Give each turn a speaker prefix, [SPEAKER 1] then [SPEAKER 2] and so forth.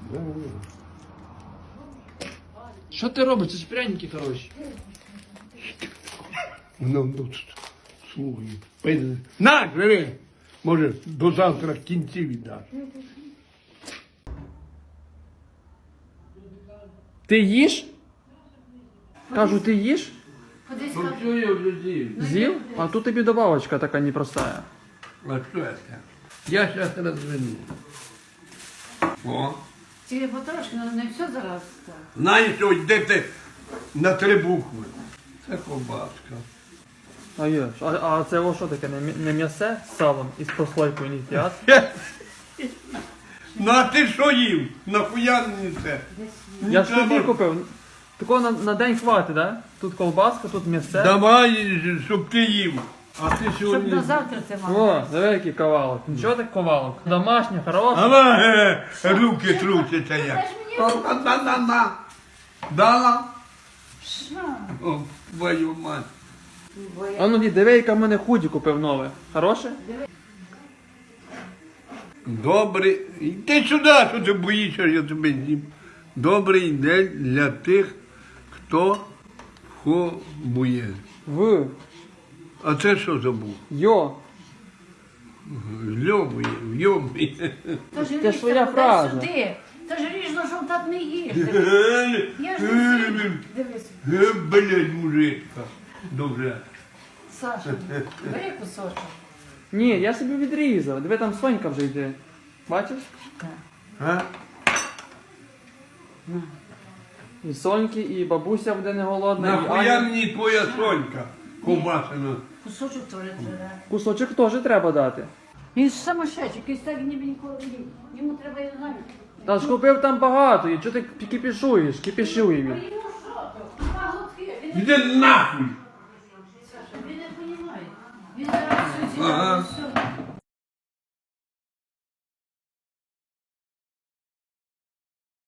[SPEAKER 1] Що ти робиш? Це ж пряники хороші.
[SPEAKER 2] Ну, слухай. На, жири! Може, до завтра в кінці віддаш.
[SPEAKER 1] Ти їш? Кажу, ти їш?
[SPEAKER 2] Ну, все, я вже з'їв.
[SPEAKER 1] З'їв? А тут тобі добавочка така непростая.
[SPEAKER 2] А що це? Я зараз розверну. О.
[SPEAKER 3] Тільки потрошки, але не все зараз. Так.
[SPEAKER 2] Знаєш, що йдете на 3 букви. Це ковбаска.
[SPEAKER 1] А є. А це о, що таке? Не м'ясе з салом і з прослойкою не їдять?
[SPEAKER 2] Ну а ти що їв? Нахуя мені це?
[SPEAKER 1] Я ж тобі купив. Такого на день хватить, да? Тут колбаска, тут м'ясе.
[SPEAKER 2] Давай, щоб ти їв. А ти
[SPEAKER 3] Щоб
[SPEAKER 2] сьогодні...
[SPEAKER 3] на завтра це
[SPEAKER 1] О,
[SPEAKER 3] мало.
[SPEAKER 1] диви який ковалок. Нічого так ковалок. Домашній, хороший.
[SPEAKER 2] Ава, руки трусяться як. На. Дала?
[SPEAKER 3] Що?
[SPEAKER 2] О, твою мать.
[SPEAKER 1] А ну диви, яка в мене худі купив нове. Хороше?
[SPEAKER 2] Добрий. Йди сюди, що ти боїшся, я тебе з'їм. Добрий день для тих, хто хобує.
[SPEAKER 1] В.
[SPEAKER 2] А це що забув?
[SPEAKER 1] Йо.
[SPEAKER 2] Йобує.
[SPEAKER 3] Тож
[SPEAKER 1] Це ж твоя фраза.
[SPEAKER 3] Сюди. Та ж ріжно, що так не їш. Я ж не з'їм. Дивись,
[SPEAKER 2] Блядь, мужичка. Добре.
[SPEAKER 3] Саша, бери кусочок.
[SPEAKER 1] Ні, я собі відрізав. Диви, там Сонька вже йде. Бачиш?
[SPEAKER 2] А?
[SPEAKER 1] І Соньки, і бабуся буде не голодна, і
[SPEAKER 2] Нахуя
[SPEAKER 1] Аня.
[SPEAKER 2] мені твоя Сонька ковбасина?
[SPEAKER 3] Кусочок теж треба.
[SPEAKER 1] Кусочок теж треба дати.
[SPEAKER 3] Він ж самошедший, якийсь так ніби ніколи не їв. Йому треба, я знаю.
[SPEAKER 1] Та ж купив там багато, і чого ти кипішуєш? Кипішує він.
[SPEAKER 3] Йому що? Два глотки. Він
[SPEAKER 2] Іди нахуй!
[SPEAKER 3] Саша, він не розуміє. Він зараз все
[SPEAKER 2] Ага.
[SPEAKER 3] з'їдає.